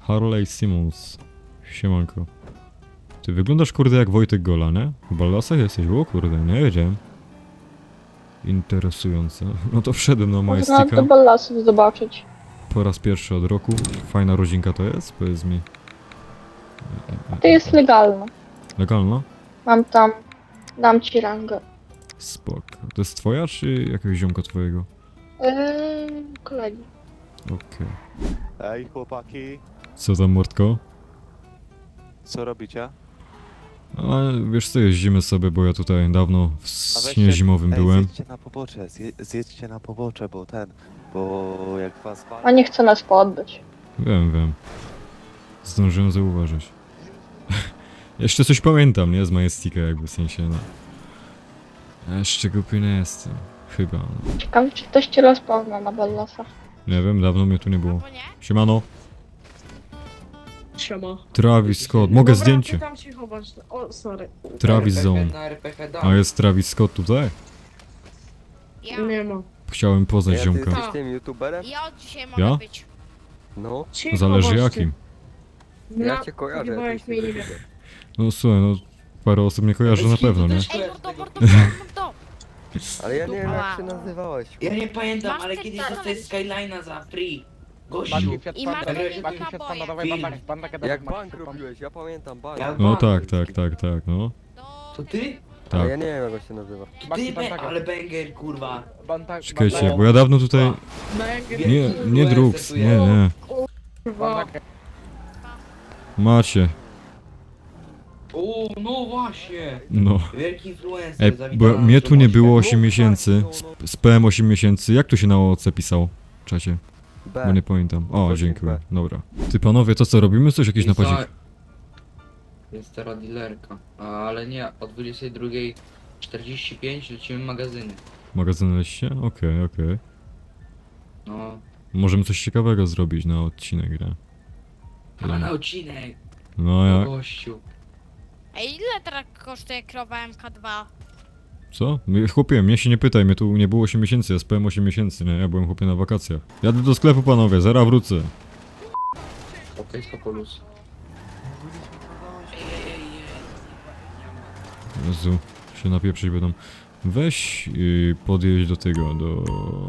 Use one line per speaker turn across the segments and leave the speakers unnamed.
Harley Simmons. Siemanko. Ty wyglądasz kurde jak Wojtek Gola, nie? W ballasach jesteś? O kurde, nie wiedziałem. Interesujące. No to wszedłem na
Można
Majestica.
do ballasów zobaczyć.
Po raz pierwszy od roku. Fajna rodzinka to jest? Powiedz mi.
To jest legalne.
Legalna?
Mam tam... Dam ci rangę.
Spoko. To jest twoja, czy jakiegoś ziomka twojego?
Kolegi.
Okej.
Ej, chłopaki,
Co tam, Mordko?
co robicie?
A wiesz co, jeździmy sobie, bo ja tutaj dawno w
A weźcie-
śnie zimowym byłem.
Zjedźcie na pobocze, zjedźcie na pobocze, bo jak was
A nie chce nas podbyć.
Wiem. Zdążyłem zauważyć. Jeszcze coś pamiętam, nie? Z Majestika jakby, w sensie, no. Jeszcze głupi nie jestem. Chyba, no.
Ciekawe, czy ktoś cię rozpozna na ballasach.
Nie wiem, dawno mnie tu nie było. Siemano.
Siema.
Travis Scott. Mogę
Dobra,
zdjęcie.
ty tam się chowasz. O, sorry.
Travis Zone.
Na RPK dam.
A jest Travis Scott tutaj?
Ja,
Nie ma.
Chciałem poznać
Ty
ziomka.
jesteś tym youtuberem?
ja od dzisiaj mogę
Ja?
być.
No,
Cicho
Zależy
bądźcie.
jakim.
ja cię kojarzę.
Chyba
ty
mnie nie
jesteś
wiem.
No słuchaj, no parę osób mnie kojarzy na pewno, nie?
Ej, mordo,
Ale ja nie wiem jak
Ała.
się nazywałeś.
Ja nie pamiętam,
Masz
ale
ten
kiedyś
telefon?
dostałeś Skyline'a za free. Gościu.
Banki Fiat
I
Panda,
masz
Banki
banki
naboje.
Fiat Panda, dawaj
Film.
bank, bank,
Jak
bank,
bank robiłeś, ja pamiętam bank.
Ja-
No tak, no.
To ty?
Ale
Tak.
ja nie wiem jak on się nazywa.
To
Banki
ty,
Panda.
ale banger, kurwa.
Czekajcie, bo ja dawno tutaj...
Banger,
Nie drugs, nie.
kurwa.
Macie,
O, no właśnie.
no.
Wielki influencer.
Ej,
zawitał
bo
na
mnie tu nie
naszą
było
Polskę.
8 miesięcy, z PM 8 miesięcy, jak tu się na OC pisał? W czacie, bo
B.
nie pamiętam. O,
Gościu
dziękuję,
B.
dobra. Ty panowie, to co, robimy coś, jakiś napadzik?
Jest teraz dealerka, ale nie, o 22:45 lecimy magazyny.
Magazyn leście? Okej.
No,
Możemy coś ciekawego zrobić na odcinek, nie?
A na odcinek.
No jak?
gościu.
Ej, ile teraz kosztuje krowa MK2?
Co? Chłopie, mnie się nie pytaj, mnie tu nie było 8 miesięcy, ja spałem 8 miesięcy, nie? Ja byłem chłopie na wakacjach. Jadę do sklepu panowie, zaraz wrócę.
Okej, Skopolius.
Jezu, się napieprzyć będą. Weź podjeźdź do tego, do...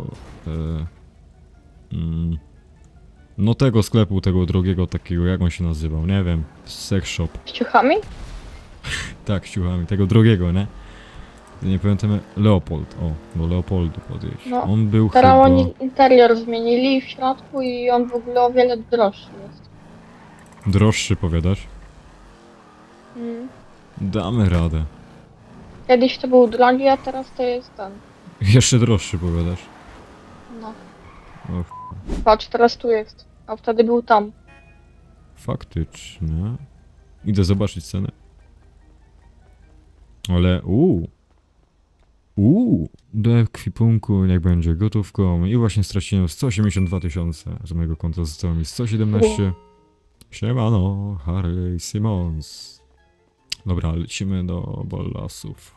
no tego sklepu, tego drogiego takiego, jak on się nazywał, nie wiem. Sex shop.
Z ciuchami?
Tak, z ciuchami, tego drogiego, nie? Nie pamiętam, Leopold, o, do Leopoldu podjeźdź.
No,
On był
Teraz
chyba...
oni interior zmienili w środku i on w ogóle o wiele droższy jest.
Droższy, powiadasz?
Mm.
Damy radę.
Kiedyś to był drogi, a teraz to jest ten.
Jeszcze droższy, powiadasz?
No.
Och,
Patrz, teraz tu jest. A wtedy był tam.
faktycznie. Idę zobaczyć cenę. Ale do ekwipunku niech będzie gotówką i właśnie straciłem 182 000 z mojego konta, zostało mi 117. Siemano, Harley Simmons. Dobra, lecimy do ballasów.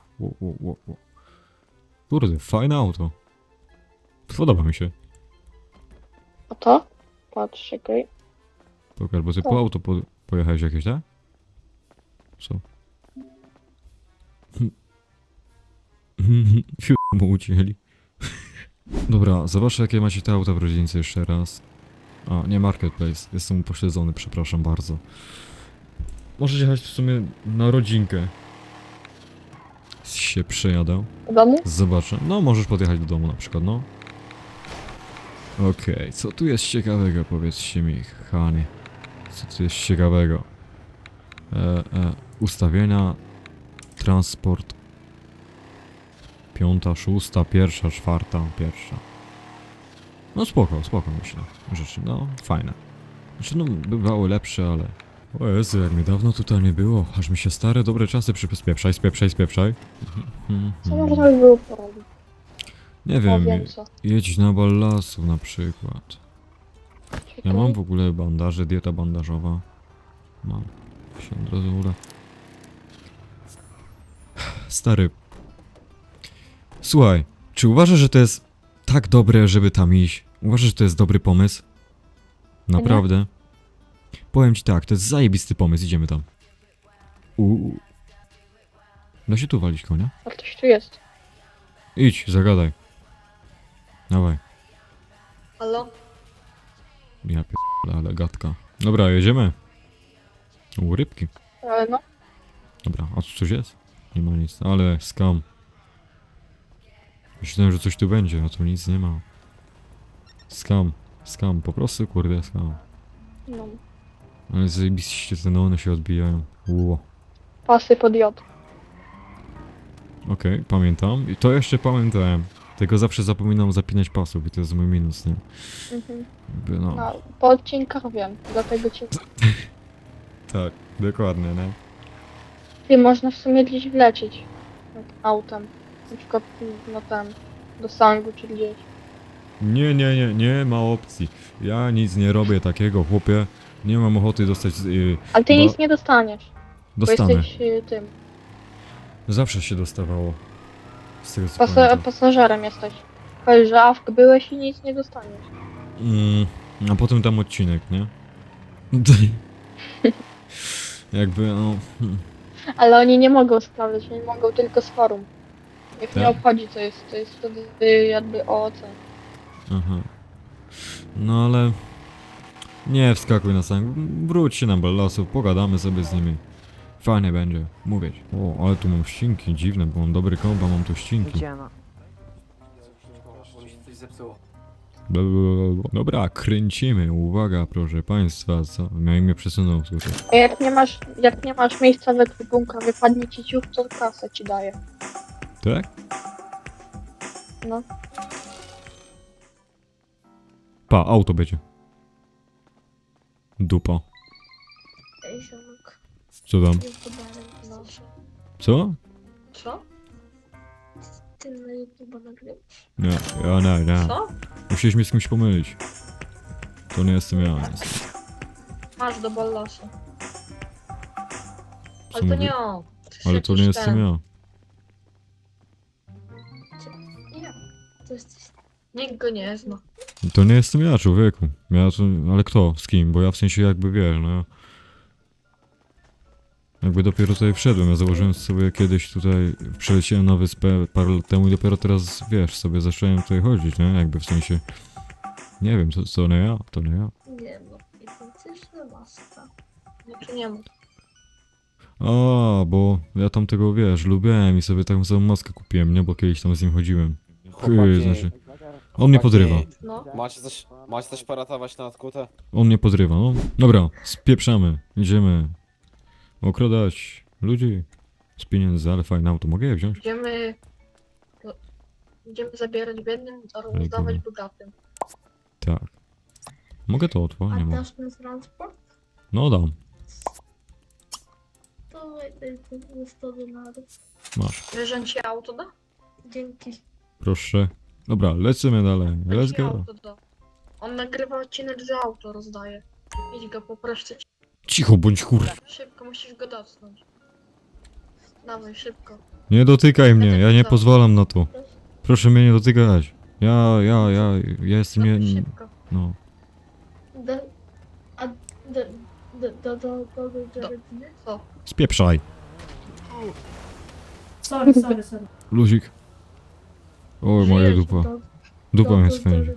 Kurde, fajne auto. Podoba mi się.
A to? Patrz, czekaj.
Pokaż, bo ty
Co?
po auto pojechałeś jakieś, tak? Co? Fiu mu ucięli. Dobra, zobaczę jakie macie te auta w rodzince jeszcze raz. A, nie Marketplace, jestem upośledzony, przepraszam bardzo. Możecie jechać w sumie na rodzinkę. Się przejadę.
W domu?
Zobaczę. No, możesz podjechać do domu na przykład, no. Okej, co tu jest ciekawego, powiedzcie mi, kochani. Co tu jest ciekawego? Ustawienia, transport. 5, 6, 1, 4, 1. No spoko myślę. Rzeczy, no fajne. Znaczy no bywały lepsze, ale... O Jezu, jak mnie dawno tutaj nie było. Aż mi się stare, dobre czasy spieprzaj.
Co można by było porobić?
Nie
O,
wiem,
wiem co.
jedź na ballasów na przykład. Ja
Czekaj.
mam w ogóle bandaże, dieta bandażowa. Mam. Się od razu uda. Stary. Słuchaj, czy uważasz, że to jest tak dobre, żeby tam iść? Uważasz, że to jest dobry pomysł? Naprawdę? Powiem ci tak, to jest zajebisty pomysł, idziemy tam. Da się tu walić konia?
A ktoś tu jest.
Idź, zagadaj. Dawaj.
Halo?
Ja ale gadka. Dobra, jedziemy. Rybki.
No,
Dobra, a tu coś jest? Nie ma nic, ale skam. Myślałem, że coś tu będzie, a tu nic nie ma. Skam, po prostu kurde skam.
no.
Ale zajebiście te neony się odbijają. Ło.
Pasy pod J.
Okej, pamiętam. I to jeszcze pamiętałem. Tylko zawsze zapominam zapinać pasów i to jest mój minus, nie?
Mhm.
Jakby no.
No, po odcinkach wiem, dlatego cię...
Tak, dokładnie, nie?
Ty, można w sumie gdzieś wlecieć. Tak, autem. Na przykład, no tam, do sangu czy gdzieś.
Nie ma opcji. Ja nic nie robię takiego, chłopie. Nie mam ochoty dostać...
Ale ty
Bo-
nic nie dostaniesz, bo
dostanę.
jesteś tym,
Zawsze się dostawało. Z tego co pamiętam.
pasażerem jesteś. Powiedz, że awk byłeś i nic nie dostaniesz.
A potem tam odcinek, nie? Jakby, no...
Ale oni nie mogą sprawdzać, oni mogą tylko z forum. Ich nie
Tak?
obchodzi, to jest wtedy jakby OOC.
Aha. No ale... Nie wskakuj na sam. Wróć się na ballasów, pogadamy sobie z nimi. Fajnie będzie, mówię ci. O, ale tu mam ścinki, dziwne, bo mam dobry kompa, mam tu ścinki.
Coś zepsuło.
Blablabla. Dobra, kręcimy, uwaga proszę państwa, co? Miałem mnie przesunął tutaj.
A jak nie masz miejsca w ekwipunku, wypadnie ci ciuch, to kasę ci daje.
Tak?
No.
Pa, auto będzie. Dupa.
Ej, ziomek.
Co tam?
YouTuberem nasz.
Co?
Co? Ty na YouTube nagrywasz?
Nie, ja nie.
Co?
Musiałeś mnie z kimś pomylić. To nie jestem ja, niestety.
Masz do ballasu.
Co
Ale to
mówię?
nie on.
Ale to nie jestem ja.
Nie. To jesteś... Nikt go nie zna.
To nie jestem ja, człowieku. Ja to... Ale kto? Z kim? Bo ja w sensie jakby wiesz, no... Jakby dopiero tutaj wszedłem, ja założyłem sobie kiedyś tutaj... Przeleciałem na wyspę parę lat temu i dopiero teraz, wiesz, sobie zacząłem tutaj chodzić, nie? Jakby w sensie... Nie wiem, to nie ja, to nie ja.
Nie no. Identyczna maska. Znaczy nie ma.
A, bo ja tam tego, wiesz, lubiłem i sobie taką samą maskę kupiłem, nie? Bo kiedyś tam z nim chodziłem. Znaczy... On mnie podrywa.
No.
Macie coś poratować na odkutę?
On mnie podrywa, no. Dobra, spieprzamy. Idziemy okradać ludzi z pieniędzy, ale fajne auto. Mogę je wziąć?
Idziemy... no, Idziemy zabierać biednym, a
Ale
rozdawać
gówno.
bogatym.
Tak. Mogę to otworzyć? Nie mogę.
dasz mi transport?
No dam.
To daj ten 100 denarów.
Masz.
Wiesz, że on ci auto da? Dzięki.
Proszę. Dobra, lecimy dalej.
On
Let's
ci
go.
auto da. On nagrywa odcinek, że auto rozdaje. Idź go, poproszę cię.
Cicho bądź kur...
Szybko, musisz go dotknąć. Dawaj, szybko.
Nie dotykaj mnie, ja nie pozwalam na to. Proszę mnie nie dotykać. Ja jestem
Dawaj,
nie...
szybko.
No.
Co?
Spieprzaj.
Sorry.
Luzik. O, moja dupa. Dupa mnie swędzi.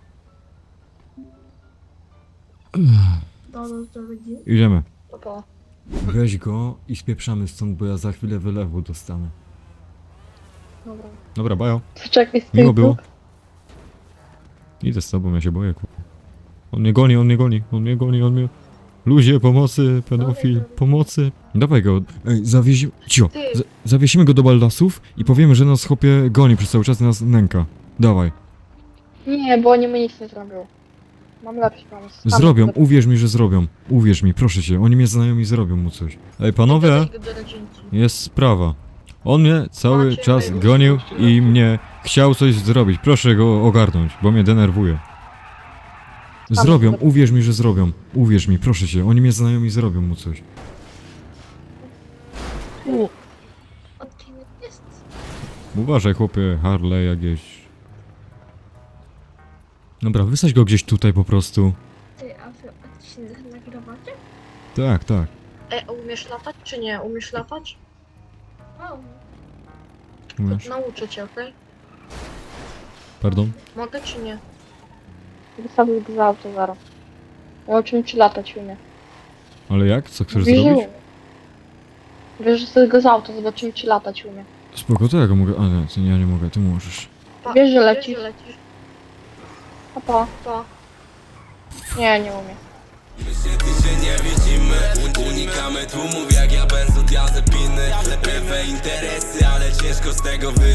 Idziemy.
Opa.
Weź go i spieprzamy stąd, bo ja za chwilę wylewu dostanę.
Dobra.
Dobra, bajo.
To czekaj z tyłu.
Miło było. Idę z tobą, ja się boję, kurwa. On mnie goni, on mnie goni, on mnie goni, on mnie... Ludzie, pomocy, pedofil, pomocy. Dawaj go. Ej, zawiesimy... Cio.
Ty.
Zawiesimy go do baldasów i powiemy, że nas chłopie goni przez cały czas i nas nęka. Dawaj.
Nie, bo oni mi nic nie zrobią. Mam lepszy pomysł. Sam
Zrobią,
zrobię.
uwierz mi, że zrobią. Uwierz mi, proszę cię, oni mnie znają i zrobią mu coś. Ej, panowie,
Dodaj go do rodzinki.
jest sprawa. On mnie cały
Macie
czas
wyjść.
gonił i mnie chciał coś zrobić. Proszę go ogarnąć, bo mnie denerwuje. Zrobią,
zrobię.
uwierz mi, że zrobią. Uwierz mi, proszę cię, oni mnie znają i zrobią mu coś.
Odcinek jest.
Uważaj, chłopie, Harley jakieś. Dobra, wysadź go gdzieś tutaj po prostu.
Ty, a wy odcinek nagrywacie?
Tak, tak.
Umiesz latać czy nie? Umiesz latać?
Umiesz.
Nauczę cię, okej?
Pardon?
Mogę czy nie?
Wystawił go za auto zaraz. Nauczymy ci latać umie.
Ale jak? Co chcesz
Wiesz, że
zrobić?
umie. Wiesz, że sobie go za auto, zobaczymy ci latać umie.
Spoko, to ja go mogę... A nie, ty, ja nie mogę, ty możesz.
Wiesz, że lecisz.
Wiesz, że lecisz.
A pa.
Pa.
Nie, nie umie.
My się nie widzimy, unikamy tłumów jak ja benzodiazepiny. Lepiej interesy, ale ciężko z tego